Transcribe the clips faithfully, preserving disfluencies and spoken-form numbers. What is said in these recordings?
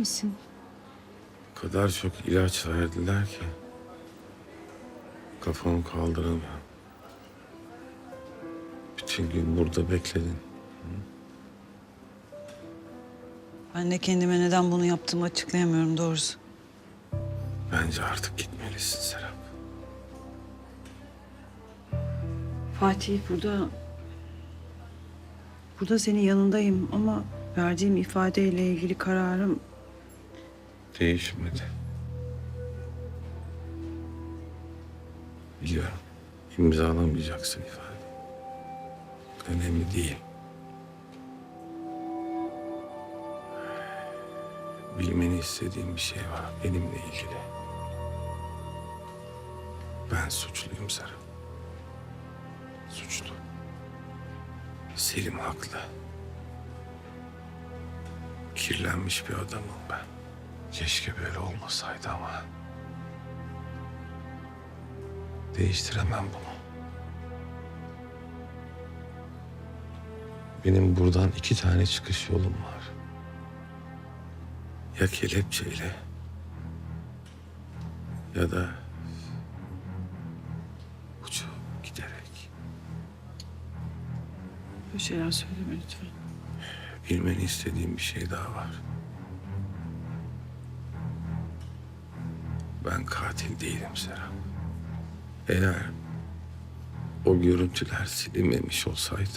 misin? O kadar çok ilaç verdiler ki kafamı kaldıramıyorum. Bütün gün burada bekledin. Ben de kendime neden bunu yaptığımı açıklayamıyorum doğrusu. Bence artık gitmelisin Serap. Fatih burada... Burada senin yanındayım ama verdiğim ifadeyle ilgili kararım... Değişmedi. Biliyorum. İmzalamayacaksın ifade. Önemli değil. Bilmeni istediğim bir şey var benimle ilgili. Ben suçluyum Serap. Suçlu. Selim haklı. Kirlenmiş bir adamım ben. Keşke böyle olmasaydı ama... değiştiremem bunu. Benim buradan iki tane çıkış yolum var. Ya kelepçeyle ya da uçup giderek. Böyle şeyler söyleme lütfen. Bilmeni istediğim bir şey daha var. Ben katil değilim Serap. Eğer o görüntüler silinmemiş olsaydı...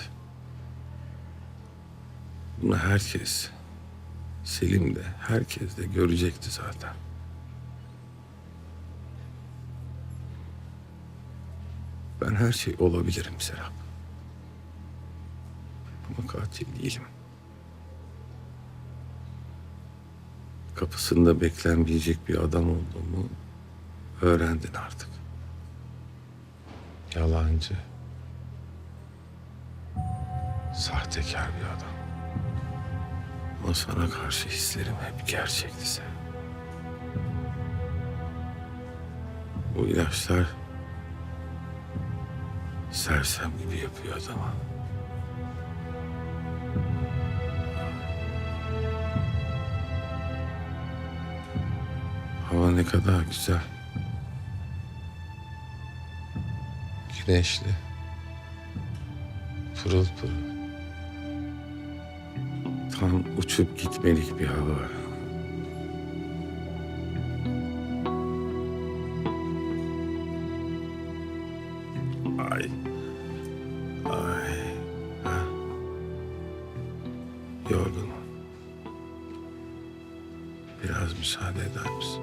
bunu herkes, Selim de, herkes de görecekti zaten. Ben her şey olabilirim Serap. Ama katil değilim. Kapısında beklenmeyecek bir adam olduğumu öğrendin artık. Yalancı, sahtekar bir adam. Ama sana karşı hislerim hep gerçekti sen. Bu ilaçlar sersem gibi yapıyor adamı. Hava ne kadar güzel. Güneşli. Pırıl pırıl. Tam uçup gitmelik bir hava. Ay. Ay. Ha. Yorgunum. Biraz müsaade eder misin?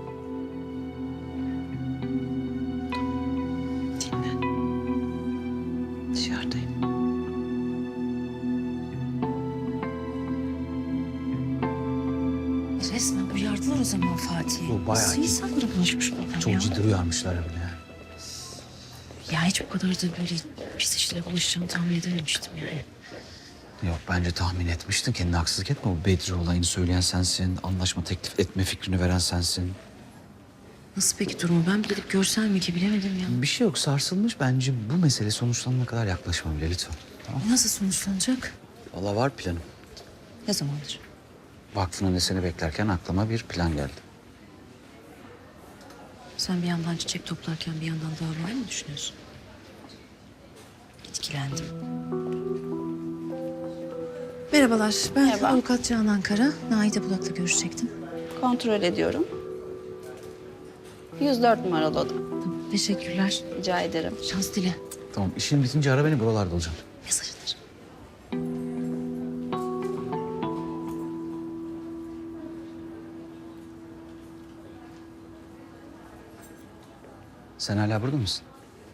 Dinle. Dışarıdayım. Resmen uyardılar o zaman Fatih'i. Bu bayağı Nasıl iyi. insanlara bulaşmış bu adam Çok ya? ciddi uyarmışlar bile. Yani. Ya hiç bu kadar da böyle pis işlere bulaşacağını tahmin edememiştim yani. Yok bence tahmin etmiştin. Kendine haksızlık etme. Bu Bedri olayını söyleyen sensin. Anlaşma teklif etme fikrini veren sensin. Nasıl peki durumu? Ben bir gidip görsem mi ki bilemedim ya. Bir şey yok, sarsılmış. Bence bu mesele sonuçlanana kadar yaklaşma bile lütfen. Tamam. Nasıl sonuçlanacak? Vallahi var planım. Ne zamandır? Vakfın önünde seni beklerken aklıma bir plan geldi. Sen bir yandan çiçek toplarken bir yandan davayı mı düşünüyorsun? Etkilendim. Merhabalar, ben Merhaba. avukat Canan Kara. Naide Bulak'la görüşecektim. Kontrol ediyorum. yüz dört numaralı oda. Tamam, teşekkürler. Rica ederim. Şans dile. Tamam, işin bitince ara beni, buralarda olacağım. Mesaj atarım. Sen hala burada mısın?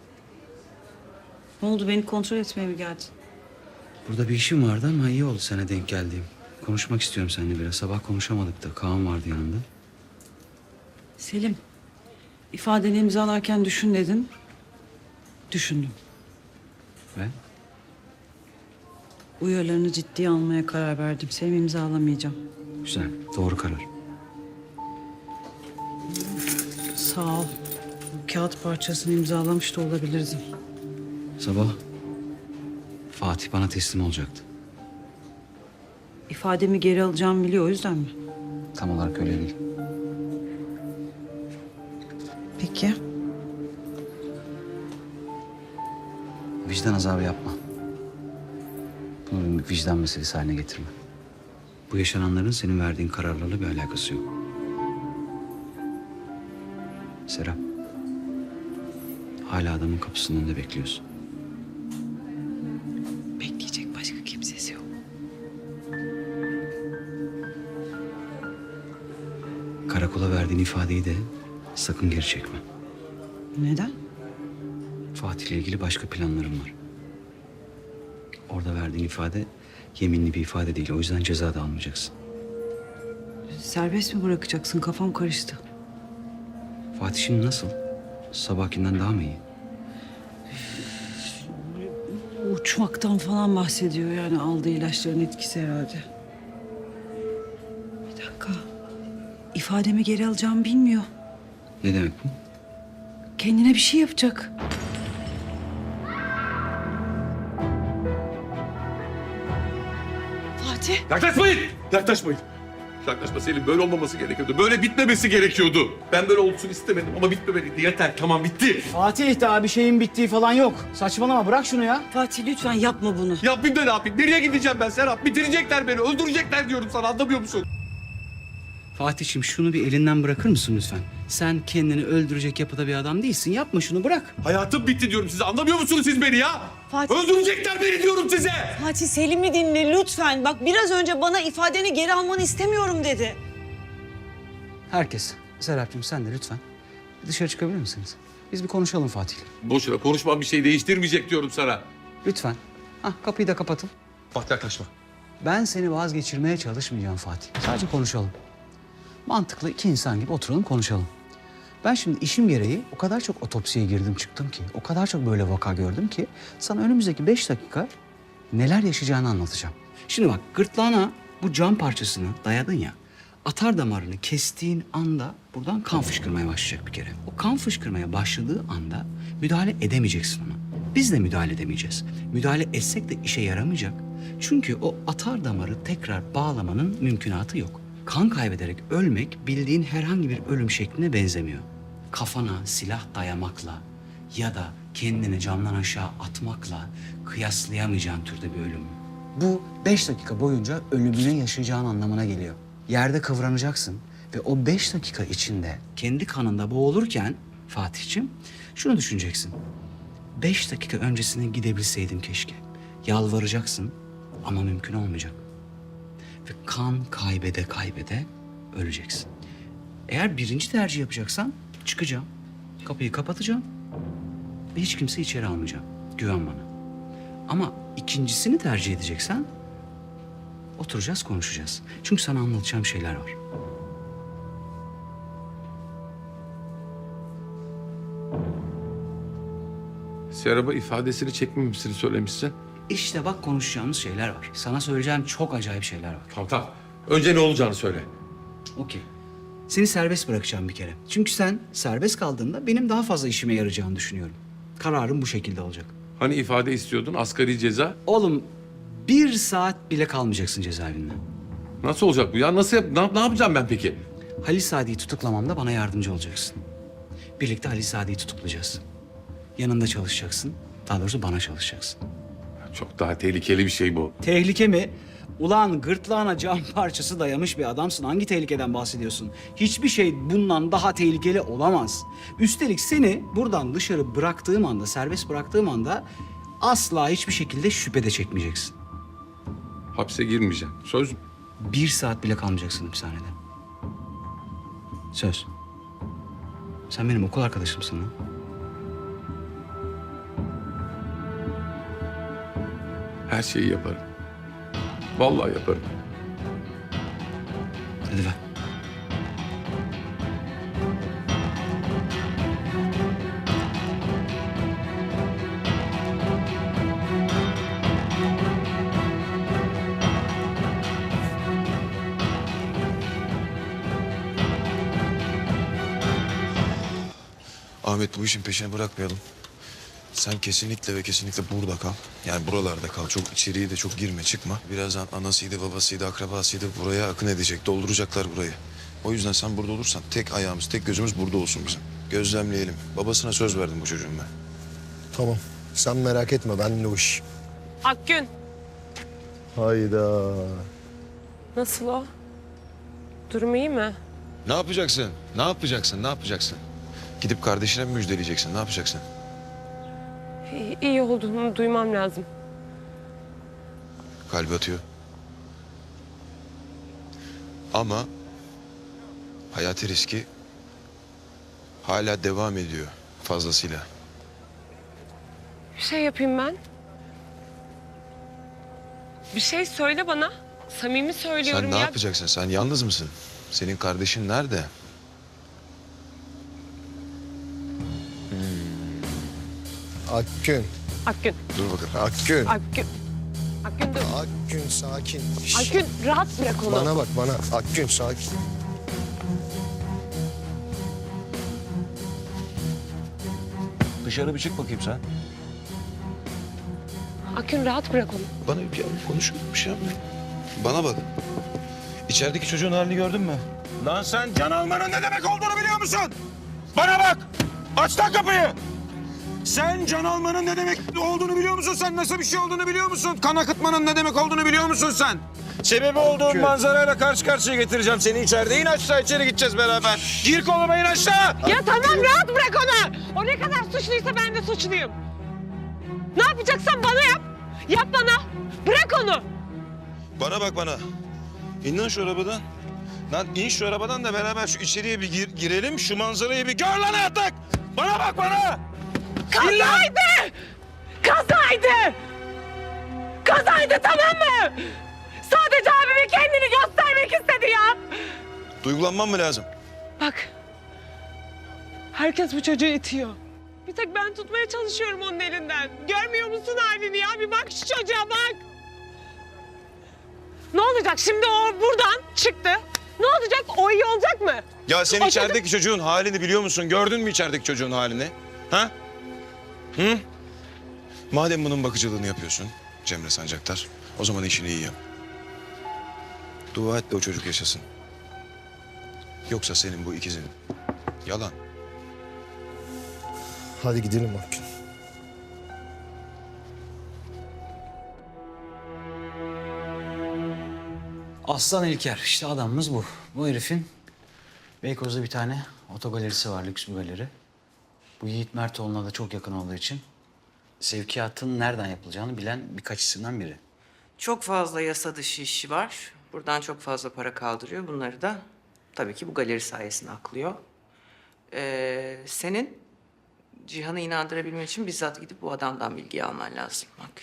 Ne oldu, beni kontrol etmeye mi geldin? Burada bir işim vardı ama iyi oldu sana denk geldiğim. Konuşmak istiyorum seninle biraz. Sabah konuşamadık da. Kaan vardı yanında. Selim, ifadeni imzalarken düşün dedin. Düşündüm. Ve? Uyarılarını ciddiye almaya karar verdim. Seni imzalamayacağım. Güzel, doğru karar. Sağ ol. Bu kağıt parçasını imzalamış da olabilirdim. Sabah Fatih bana teslim olacaktı. İfademi geri alacağımı biliyor, o yüzden mi? Tam olarak öyle değil. Peki. Vicdan azabı yapma. Bunu bir vicdan meselesi haline getirme. Bu yaşananların senin verdiğin kararlarla bir alakası yok. Serap. Hala adamın kapısının önünde bekliyorsun. Bekleyecek başka kimsesi yok. Karakola verdiğin ifadeyi de sakın geri çekme. Neden? Fatih'le ilgili başka planlarım var. Orada verdiğin ifade yeminli bir ifade değil. O yüzden ceza da almayacaksın. Serbest mi bırakacaksın? Kafam karıştı. Fatih şimdi nasıl? Sabahkinden daha mı iyi? Uçmaktan falan bahsediyor yani aldığı ilaçların etkisi herhalde. Bir dakika. İfademi geri alacağımı bilmiyor. Ne demek bu? Kendine bir şey yapacak. Fatih. Yaklaşmayın! Yaklaşmayın. Yaklaşma Selim. Böyle olmaması gerekiyordu. Böyle bitmemesi gerekiyordu. Ben böyle olsun istemedim ama bitmemeliydi. Yeter. Tamam bitti. Fatih daha bir şeyin bittiği falan yok. Saçmalama bırak şunu ya. Fatih lütfen yapma bunu. Yapayım da ne yapayım? Nereye gideceğim ben Serap? Bitirecekler beni. Öldürecekler diyorum sana. Anlamıyor musun? Fatih'ciğim şunu bir elinden bırakır mısın lütfen? Sen kendini öldürecek yapıda bir adam değilsin. Yapma şunu, bırak. Hayatım bitti diyorum size. Anlamıyor musunuz siz beni ya? Fatih. Öldürecekler beni diyorum size. Fatih Selim'i dinle lütfen. Bak biraz önce bana ifadeni geri almanı istemiyorum dedi. Herkes. Serapcığım sen de lütfen. Dışarı çıkabilir misiniz? Biz bir konuşalım Fatih'le. Boşuna konuşmam bir şey değiştirmeyecek diyorum sana. Lütfen. Hah, kapıyı da kapatın. Bak yaklaşma. Ben seni vazgeçirmeye çalışmayacağım Fatih. Sadece konuşalım. Mantıklı iki insan gibi oturalım konuşalım. Ben şimdi işim gereği o kadar çok otopsiye girdim çıktım ki, o kadar çok böyle vaka gördüm ki sana önümüzdeki beş dakika neler yaşayacağını anlatacağım. Şimdi bak, gırtlağına bu cam parçasını dayadın ya, atar damarını kestiğin anda buradan kan fışkırmaya başlayacak bir kere. O kan fışkırmaya başladığı anda müdahale edemeyeceksin ona. Biz de müdahale edemeyeceğiz. Müdahale etsek de işe yaramayacak. Çünkü o atar damarı tekrar bağlamanın mümkünatı yok. Kan kaybederek ölmek bildiğin herhangi bir ölüm şekline benzemiyor. Kafana silah dayamakla ya da kendini camdan aşağı atmakla kıyaslayamayacağın türde bir ölüm. Bu beş dakika boyunca ölümünü yaşayacağın anlamına geliyor. Yerde kıvranacaksın ve o beş dakika içinde kendi kanında boğulurken Fatih'ciğim şunu düşüneceksin. Beş dakika öncesine gidebilseydim keşke. Yalvaracaksın ama mümkün olmayacak. Ve kan kaybede kaybede öleceksin. Eğer birinci tercih yapacaksan çıkacağım. Kapıyı kapatacağım. Ve hiç kimse içeri almayacağım. Güven bana. Ama ikincisini tercih edeceksen oturacağız, konuşacağız. Çünkü sana anlatacağım şeyler var. Serap'a ifadesini çekmemişsini söylemişsin. İşte bak, konuşacağımız şeyler var. Sana söyleyeceğim çok acayip şeyler var. Tamam tamam. Önce ne olacağını söyle. Okey. Seni serbest bırakacağım bir kere. Çünkü sen serbest kaldığında benim daha fazla işime yarayacağını düşünüyorum. Kararım bu şekilde olacak. Hani ifade istiyordun, asgari ceza? Oğlum, bir saat bile kalmayacaksın cezaevinde. Nasıl olacak bu ya? Nasıl yap ne, yap- ne yapacağım ben peki? Halil Sadi'yi tutuklamamda bana yardımcı olacaksın. Birlikte Halil Sadi'yi tutuklayacağız. Yanında çalışacaksın. Daha doğrusu bana çalışacaksın. Çok daha tehlikeli bir şey bu. Tehlike mi? Ulan gırtlağına cam parçası dayamış bir adamsın. Hangi tehlikeden bahsediyorsun? Hiçbir şey bundan daha tehlikeli olamaz. Üstelik seni buradan dışarı bıraktığım anda, serbest bıraktığım anda asla hiçbir şekilde şüphede çekmeyeceksin. Hapse girmeyeceğim. Söz mü? Bir saat bile kalmayacaksın hapishanede. Söz. Sen benim okul arkadaşımsın lan. Her şeyi yaparım. Vallahi yaparım. Hadi ver. Ahmet, bu işin peşini bırakmayalım. Sen kesinlikle ve kesinlikle burada kal. Yani buralarda kal. Çok içeriye de çok girme, çıkma. Birazdan anasıydı, babasıydı, akrabasıydı buraya akın edecek. Dolduracaklar burayı. O yüzden sen burada olursan tek ayağımız, tek gözümüz burada olsun bizim. Gözlemleyelim. Babasına söz verdim bu çocuğun ben. Tamam. Sen merak etme, ben de o iş. Akgün. Hayda. Nasıl o? Durum iyi mi? Ne yapacaksın? Ne yapacaksın? Ne yapacaksın? Gidip kardeşine mi müjdeleyeceksin? Ne yapacaksın? İyi, iyi olduğunu duymam lazım. Kalbi atıyor. Ama hayati riski hala devam ediyor fazlasıyla. Bir şey yapayım ben. Bir şey söyle bana. Samimi söylüyorum Sen ne ya. yapacaksın? Sen yalnız mısın? Senin kardeşin nerede? Akgün. Akgün. Dur bakalım. Akgün. Akgün. Akgün dur. Akgün sakin. Şş, Akgün rahat bırak onu. Bana bak bana. Akgün sakin. Dışarı bir çık bakayım sen. Akgün rahat bırak onu. Bana bir konuş, bir şey yapma. Bana bak. İçerideki çocuğun halini gördün mü? Lan sen can almanın ne demek olduğunu biliyor musun? Bana bak! Aç lan kapıyı! Sen can almanın ne demek olduğunu biliyor musun? Sen nasıl bir şey olduğunu biliyor musun? Kan akıtmanın ne demek olduğunu biliyor musun sen? Sebebi olduğun manzarayla karşı karşıya getireceğim seni içeride. İn aşağı, içeri gideceğiz beraber. Gir koluma, in aşağı! Ya tamam rahat bırak onu. O ne kadar suçluysa ben de suçluyum. Ne yapacaksan bana yap. Yap bana. Bırak onu. Bana bak bana. İn lan şu arabadan. Lan in şu arabadan da beraber şu içeriye bir gir- girelim. Şu manzarayı bir gör lan artık. Bana bak bana! Kazaydı! Kazaydı! Kazaydı tamam mı? Sadece abime kendini göstermek istedi ya. Duygulanmam mı lazım? Bak. Herkes bu çocuğu itiyor. Bir tek ben tutmaya çalışıyorum onun elinden. Görmüyor musun halini ya? Bir bak şu çocuğa bak. Ne olacak şimdi o buradan çıktı. Ne olacak? O iyi olacak mı? Ya sen O içerideki çocuğun halini biliyor musun? Gördün mü içerideki çocuğun halini? Ha? Hı? Madem bunun bakıcılığını yapıyorsun Cemre Sancaktar, o zaman işini iyi yap. Dua et de o çocuk yaşasın. Yoksa senin bu ikizin yalan. Hadi gidelim Akgün. Aslan İlker, işte adamımız bu. Bu herifin Beykoz'da bir tane otogalerisi var, lüks bir galeri. Bu Yiğit Mertoğlu'na da çok yakın olduğu için sevkiyatın nereden yapılacağını bilen birkaç isimden biri. Çok fazla yasa dışı işi var. Buradan çok fazla para kaldırıyor. Bunları da tabii ki bu galeri sayesinde aklıyor. Ee, senin Cihan'ı inandırabilmen için bizzat gidip bu adamdan bilgi alman lazım. Bak.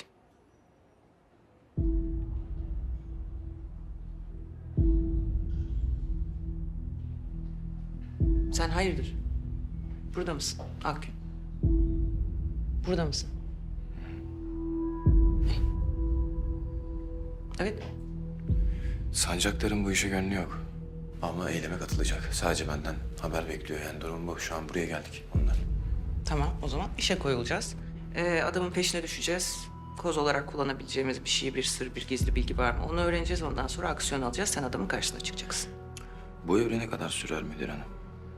Sen hayırdır? Burada mısın Akgün? Burada mısın? Evet. Sancaktar'ın bu işe gönlü yok. Ama eyleme katılacak. Sadece benden haber bekliyor. Yani durum bu. Şu an buraya geldik onlar. Tamam, o zaman işe koyulacağız. Ee, adamın peşine düşeceğiz. Koz olarak kullanabileceğimiz bir şey, bir sır, bir gizli bilgi var mı? Onu öğreneceğiz, ondan sonra aksiyon alacağız. Sen adamın karşısına çıkacaksın. Bu evrene kadar sürer müdür hanım?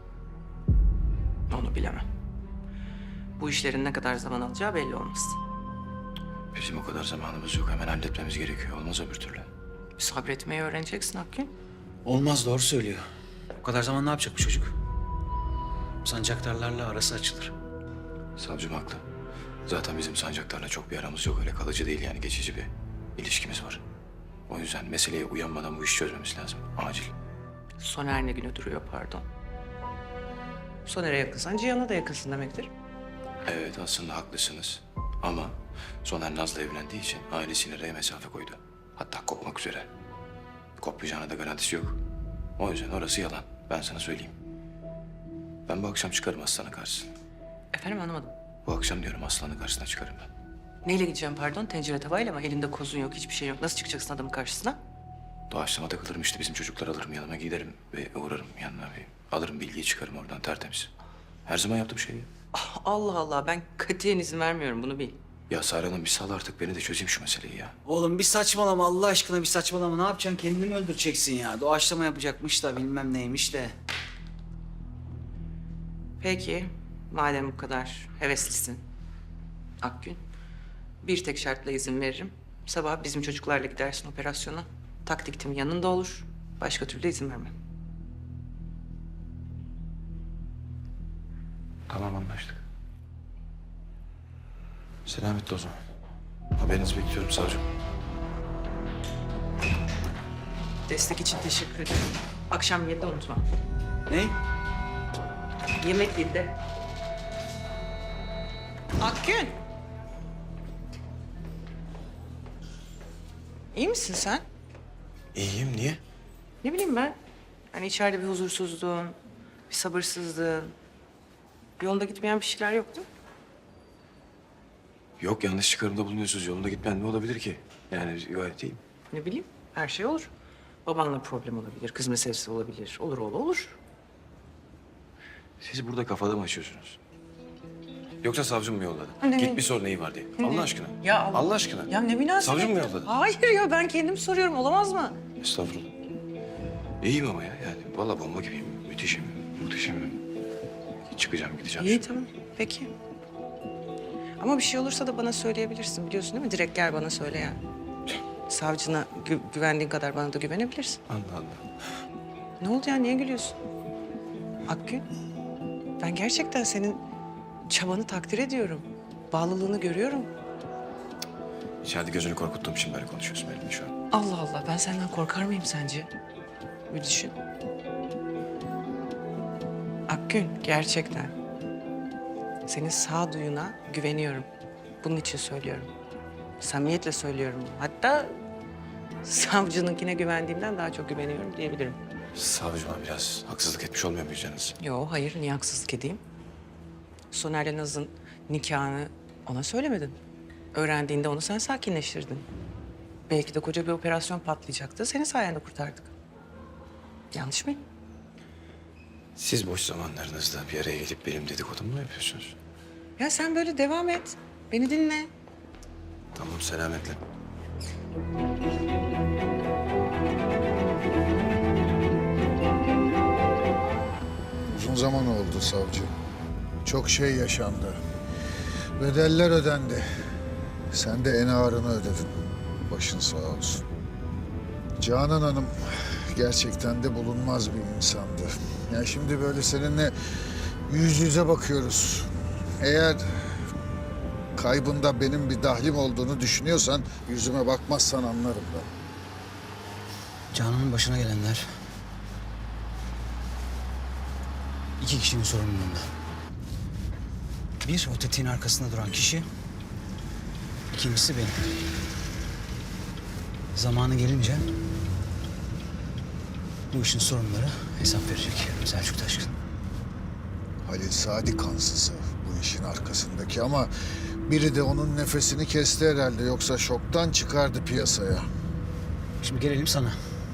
Onu bilemem. Bu işlerin ne kadar zaman alacağı belli olmaz. Bizim o kadar zamanımız yok. Hemen halletmemiz gerekiyor. Olmaz öbür türlü. Sabretmeyi öğreneceksin Akgün. Olmaz, doğru söylüyor. O kadar zaman ne yapacak bu çocuk? Sancaktarlarla arası açılır. Savcım haklı. Zaten bizim Sancaktar'la çok bir aramız yok. Öyle kalıcı değil yani, geçici bir ilişkimiz var. O yüzden meseleye uyanmadan bu işi çözmemiz lazım. Acil. Soner ne güne duruyor pardon. Soner'e yakınsan Cihan'a da yakınsın demektir. Evet, aslında haklısınız. Ama Soner Naz'la evlendiği için ailesiyle araya mesafe koydu. Hatta kopmak üzere. Kopmayacağına da garantisi yok. O yüzden orası yalan. Ben sana söyleyeyim. Ben bu akşam çıkarım Aslan'ın karşısına. Efendim anlamadım. Bu akşam diyorum Aslan'ın karşısına çıkarım ben. Neyle gideceğim pardon? Tencere tavayla mı? Elinde kozun yok, hiçbir şey yok. Nasıl çıkacaksın adamın karşısına? Doğaçlama takılırım işte, bizim çocuklar alırım yanıma, giderim ve uğrarım yanına bir alırım bilgiyi, çıkarım oradan tertemiz. Her zaman yaptığım şey. Allah Allah, ben katiyen izin vermiyorum, bunu bil. Ya Sare Hanım bir sal artık beni de çözeyim şu meseleyi ya. Oğlum bir saçmalama Allah aşkına bir saçmalama. Ne yapacaksın? Kendini mi öldüreceksin ya? Doğaçlama yapacakmış da bilmem neymiş de. Peki, madem bu kadar heveslisin Akgün, bir tek şartla izin veririm. Sabah bizim çocuklarla gidersin operasyona. Taktik tim yanında olur. Başka türlü izin vermem. Tamam anlaştık. Selametle o zaman. Haberinizi bekliyorum savcım. Destek için teşekkür ederim. Akşam yedide unutma. Ne? Yemek yedide. Akgün. İyi misin sen? İyiyim niye? Ne bileyim ben. Hani içeride bir huzursuzluğun, bir sabırsızlığın, yolunda gitmeyen bir şeyler yok değil mi? Yok yanlış çıkarımda bulunuyorsunuz. Yolunda gitmeyen ne olabilir ki? Yani gayet iyiyim. Ne bileyim, her şey olur. Babanla problem olabilir, kız meselesi olabilir. Olur oğlu olur. Siz burada kafada mı açıyorsunuz? Yoksa savcım mı yolladı? Ne? Git bir sor neyi var diye. Allah aşkına. Ya Allah- Allah aşkına. Ya ne münasebet. Savcım mı yolladı? Hayır ya ben kendim soruyorum olamaz mı? Estağfurullah. İyiyim ama ya. Yani vallahi bomba gibiyim. Müthişim. Muhteşemim. Çıkacağım gideceğim. İyi şimdi. tamam peki. Ama bir şey olursa da bana söyleyebilirsin biliyorsun değil mi? Direkt gel bana söyle yani. Savcına gü- güvendiğin kadar bana da güvenebilirsin. Allah Allah. Ne oldu ya niye gülüyorsun? Akgün ben gerçekten senin çabanı takdir ediyorum. Bağlılığını görüyorum. İçeride gözünü korkuttuğum için böyle konuşuyorsun benimle şu an. Allah Allah ben senden korkar mıyım sence? Bir düşün. Akgün gerçekten senin sağduyuna güveniyorum. Bunun için söylüyorum. Samimiyetle söylüyorum. Hatta savcınınkine güvendiğimden daha çok güveniyorum diyebilirim. Savcıma biraz haksızlık etmiş olmuyor muyuz canınız? Yo hayır niye haksızlık edeyim? Soner'le Naz'ın nikahını ona söylemedin. Öğrendiğinde onu sen sakinleştirdin. Belki de koca bir operasyon patlayacaktı. Senin sayende kurtardık. Yanlış mıyım? Siz boş zamanlarınızda bir araya gelip benim dedikodumu mu yapıyorsunuz? Ya sen böyle devam et. Beni dinle. Tamam selametle. Uzun zaman oldu savcı. Çok şey yaşandı. Bedeller ödendi. Sen de en ağırını ödedin. Başın sağ olsun. Canan Hanım gerçekten de bulunmaz bir insandı. Yani şimdi böyle seninle yüz yüze bakıyoruz. Eğer kaybında benim bir dahlim olduğunu düşünüyorsan yüzüme bakmazsan anlarım ben. Canan'ın başına gelenler... iki kişinin sorumluluğunda. Bir, o tetiğin arkasında duran kişi. İkincisi benim. Zamanı gelince... bu işin sorumluları hesap verecek Selçuk Taşkın. Halil Sadi kansızı bu işin arkasındaki ama biri de onun nefesini kesti herhalde. Yoksa şoktan çıkardı piyasaya. Şimdi gelelim sana.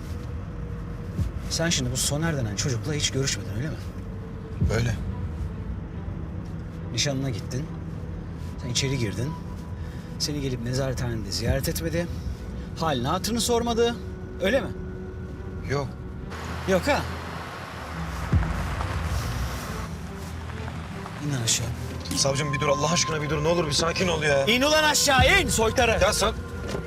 Sen şimdi bu Soner denen çocukla hiç görüşmedin öyle mi? Öyle. Nişanına gittin. Sen içeri girdin. Seni gelip nezarethanede ziyaret etmedi. Halini hatırını sormadı. Öyle mi? Yok. Yok ha? İn aşağı. Savcım bir dur Allah aşkına bir dur ne olur bir sakin ol ya. İn ulan aşağı in soytarı. Ya sen...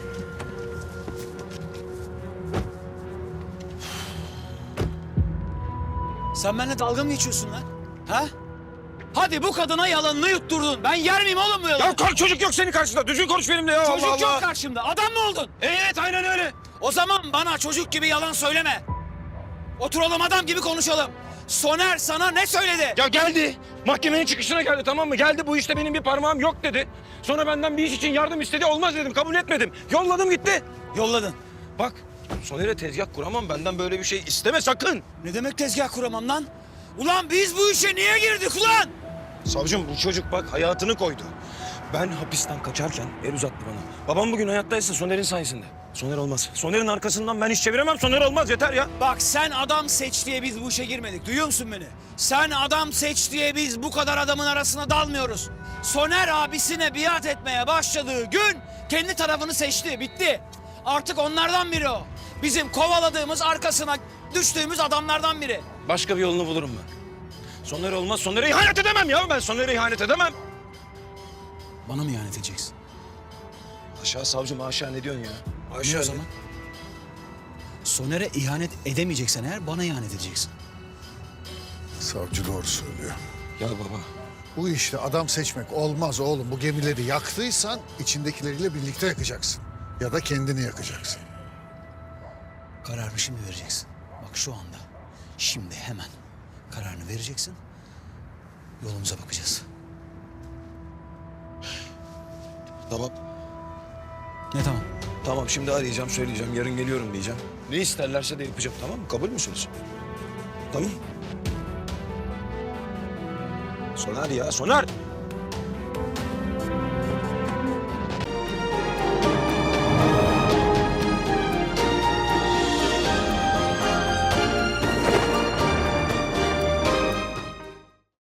Sen benimle dalga mı geçiyorsun lan? Ha? Hadi bu kadına yalanını yutturdun. Ben yer miyim oğlum bu yalanı? Ya kal çocuk yok senin karşında. Düzgün konuş benimle ya. Çocuk Allah yok Allah. karşımda. Adam mı oldun? Evet aynen öyle. O zaman bana çocuk gibi yalan söyleme. Oturalım adam gibi konuşalım. Soner sana ne söyledi? Ya geldi. Mahkemenin çıkışına geldi tamam mı? Geldi bu işte benim bir parmağım yok dedi. Sonra benden bir iş için yardım istedi. Olmaz dedim kabul etmedim. Yolladım gitti. Yolladın. Bak Soner'e tezgah kuramam benden böyle bir şey isteme sakın. Ne demek tezgah kuramam lan? Ulan biz bu işe niye girdik ulan? Savcım bu çocuk bak hayatını koydu. Ben hapisten kaçarken el uzattı bana. Babam bugün hayattaysa Soner'in sayesinde. Soner olmaz. Soner'in arkasından ben iş çeviremem. Soner olmaz, yeter ya. Bak sen adam seç diye biz bu işe girmedik. Duyuyor musun beni? Sen adam seç diye biz bu kadar adamın arasına dalmıyoruz. Soner abisine biat etmeye başladığı gün kendi tarafını seçti. Bitti. Artık onlardan biri o. Bizim kovaladığımız, arkasına düştüğümüz adamlardan biri. Başka bir yolunu bulurum ben. Soner olmaz. Soner'e ihanet edemem ya. Ben Soner'e ihanet edemem. Bana mı ihanet edeceksin? Aşağı savcım, aşağı ne diyorsun ya? Ne Aşağı o zaman? Soner'e ihanet edemeyeceksen eğer bana ihanet edeceksin. Savcı doğru söylüyor. Ya baba. Bu işte adam seçmek olmaz oğlum. Bu gemileri yaktıysan içindekileriyle birlikte yakacaksın. Ya da kendini yakacaksın. Kararını şimdi vereceksin. Bak şu anda. Şimdi hemen kararını vereceksin. Yolumuza bakacağız. Tamam. Ne tamam? Tamam, şimdi arayacağım, söyleyeceğim. Yarın geliyorum diyeceğim. Ne isterlerse de yapacağım, tamam mı? Kabul müsünüz? Tamam. Soner ya, Soner!